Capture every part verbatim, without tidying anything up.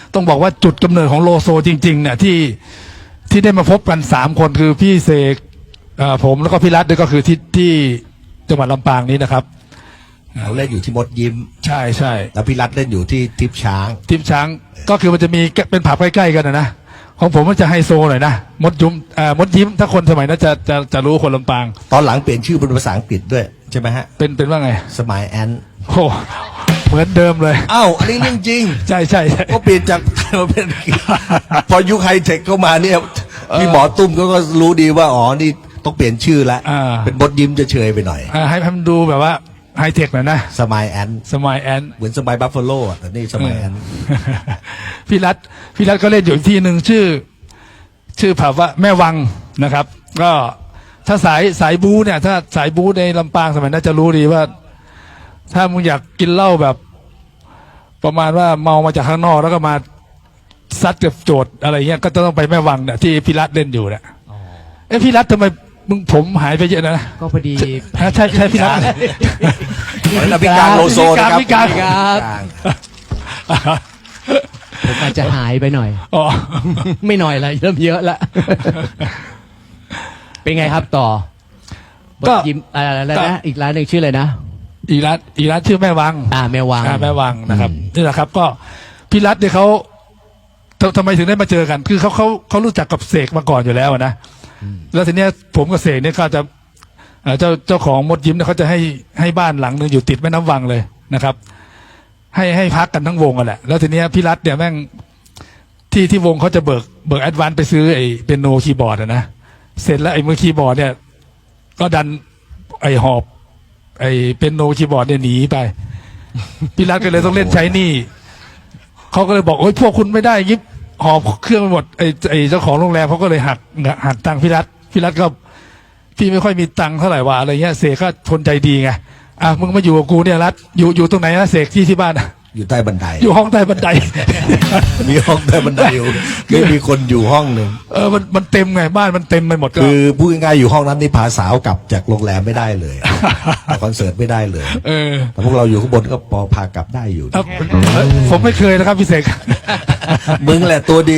ต้องบอกว่าจุดกำเนิดของโลโซจริงๆเนี่ยที่ที่ได้มาพบกันสามคนคือพี่เสกผมแล้วก็พี่รัตด้วยก็คือที่ที่จังหวัดลำปางนี้นะครับเราเล่นอยู่ที่มดยิ้มใช่ใช่แล้วพี่รัตเล่นอยู่ที่ทิพช้างทิพช้างก็คือมันจะมีเป็นผับใกล้ๆกันนะนะของผมมันจะไฮโซหน่อยนะมดยิ้มมดยิ้มถ้าคนสมัยนั้นจะจะจะรู้คนลำปางตอนหลังเปลี่ยนชื่อเป็นภาษาอังกฤษด้วยใช่ไหมฮะเป็นเป็นว่าไงสมายแอนโอ้เหมือนเดิมเลยอ้าวอันนี้เรื่องจริงใช่ใช่ก็เปลี่ยนจากเป็นพอยุคไฮเทคเข้ามาเนี่ยพี่หมอตุ้มก็ก็รู้ดีว่าอ๋อนี่ต้องเปลี่ยนชื่อแล้วเป็นมดยิ้มจะเฉยไปหน่อยให้ให้มันดูแบบว่าไฮเทคหน่อยนะสมายแอนสมายแอนเหมือนสมายบัฟฟาโลอ่ะแต่นี่สมายแอนพี่รัตพี่รัตก็เล่นอยู่ที่หนึ่งชื่อชื่อผับว่าแม่วังนะครับก็ถ้าสายสายบูเนี่ยถ้าสายบูในลำปางสมัยนั้นจะรู้ดีว่า ถ้ามึงอยากกินเหล้าแบบประมาณว่าเมามาจากข้างนอกแล้วก็มาซัดกับโจทย์อะไรเงี้ยก็ต้องไปแม่วังเนี่ยที่พี่รัตเล่นอยู่เนี่ยเอ้พี่รัตทำไมมึงผมหายไปเยอะนะก็พอดีใช่ใช่พี่รัตแล้วพี่การโลโซนะครับพี่การผมอาจจะหายไปหน่อยอ๋อไม่หน่อยละเริ่มเยอะละเป็นไงครับต่อก็ยิ้มอะไรนะอีกร้านหนึ่งชื่ออะไรนะอีรัตอีรัตชื่อแม่วังอ่าแม่วังอ่าแม่วังนะครับนี่แหละครับก็พี่รัตเนี่ยเขาทำไมถึงได้มาเจอกันคือเขาเขาเขารู้จักกับเสกมาก่อนอยู่แล้วนะแล้วทีเนี้ยผมกับเสกเนี่ยก็จะเจ้าเจ้าของมดยิ้มเนี่ยเขาจะให้ให้บ้านหลังนึงอยู่ติดแม่น้ำวังเลยนะครับให้ให้พักกันทั้งวงกันแหละแล้วทีเนี้ยพี่รัตเนี่ยแม่งที่ที่วงเขาจะเบิกเบิกแอดวานซ์ไปซื้อไอ้เปียโนคีย์บอร์ดนะเสร็จแล้วไอ้มือคีย์บอร์ดเนี่ยก็ดันไอ้หอบไอ้เป็นโนคีย์บอร์ดเนี่ยหนีไปพี่รัตก็เลยต้องเล่นใช้หนี้เขาก็เลยบอกโอ๊ยพวกคุณไม่ได้ยิบหอบเครื่องไปหมดไอ้ไอ้เจ้าของโรงแรมเขาก็เลยหักหักตังค์พี่รัตพี่รัตก็พี่ไม่ค่อยมีตังค์เท่าไหร่ว่าอะไรเงี้ยเสกก็ทนใจดีไงอ่ะมึงมาอยู่กับกูเนี่ยรัตอยู่อยู่ตรงไหนนะเสกที่ที่บ้านอยู่ใต้บันไดอยู่ห้องใต้บันไดมีห้องใต้บันไดอยู่ไม่มีคนอยู่ห้องหนึ่งเออมันมันเต็มไงบ้านมันเต็มไปหมดคือพูดง่ายๆอยู่ห้องนั้นนี่พาสาวกลับจากโรงแรมไม่ได้เลยคอนเสิร์ตไม่ได้เลยเออแต่พวกเราอยู่ข้างบนก็พอพากลับได้อยู่ผมไม่เคยนะครับพี่เสกมึงแหละตัวดี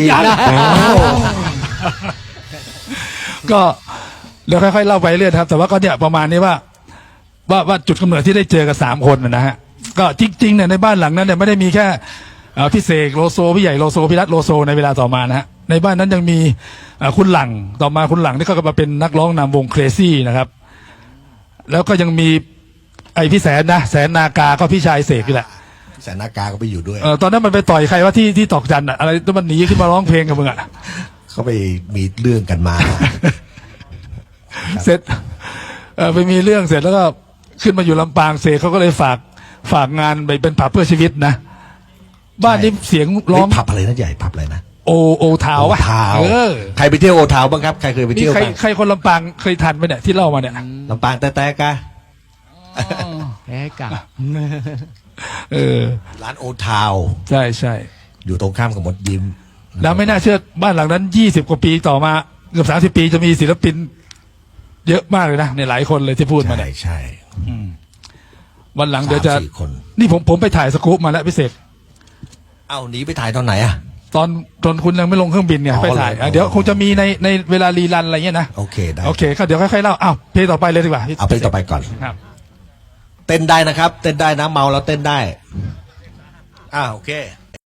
ก็เดี๋ยวค่อยๆเล่าไปเรื่อยครับแต่ว่าก็เนี่ยประมาณนี้ว่าว่าว่าจุดกำเนิดที่ได้เจอกับสามคนนะฮะก็จริงๆเนี่ยในบ้านหลังนั้นเนี่ยไม่ได้มีแค่พี่เสกโลโซพี่ใหญ่โลโซพี่รัตโลโซในเวลาต่อมานะฮะในบ้านนั้นยังมีคุณหลังต่อมาคุณหลังที่เขาก็มาเป็นนักร้องนำวงเครซี่นะครับแล้วก็ยังมีไอพี่แสนนะแสนนากาก็พี่ชายเสกนี่แหละแสนนากาก็ไปอยู่ด้วยเออตอนนั้นมันไปต่อยใครว่าที่ที่ตอกจันอะอะไรแล้วมันหนีขึ้นมาร้องเพลงกับมึงอะเขาไปมีเรื่องกันมาเสร็จเออไปมีเรื่องเสร็จแล้วก็ขึ้นมาอยู่ลำปางเสกเขาก็เลยฝากฝากงานไปเป็นผับเพื่อชีวิตนะบ้านนี้เสียงร้องผับอะไรนะใหญ่ผับอะไรนะโอโอทาวโอทาวใครไปเที่ยวโอทาวบ้างครับใครเคยไปเที่ยวใครใครคนลำปางเคยทันไหมเนี่ยที่เล่ามาเนี่ยลำปางแต่แต่กะแพ้กะเออร้านโอทาวใช่ใช่อยู่ตรงข้ามกับมดยิ้มแล้วไม่น่าเชื่อบ้านหลังนั้นยี่สิบกว่าปีต่อมาเกือบสามสิบปีจะมีศิลปินเยอะมากเลยนะในหลายคนเลยที่พูดมาเนี่ยใช่วันหลังเดี๋ยวจะนี่ผมผมไปถ่ายสกู๊ปมาแล้วพี่เสกเอ้าหนีไปถ่ายตอนไหนอะตอนตอนคุณยังไม่ลงเครื่องบินเนี่ยไปถ่ายเดี๋ยวคงจะมีในในเวลารีรันอะไรเงี้ยนะโอเคได้โอเคก็เดี๋ยวค่อยๆเล่าอ้าวเพลงต่อไปเลยดีกว่าเอาเพลงต่อไปก่อนครับเต้นได้นะครับเต้นได้นะเมาแล้วเต้นได้อ้าวโอเค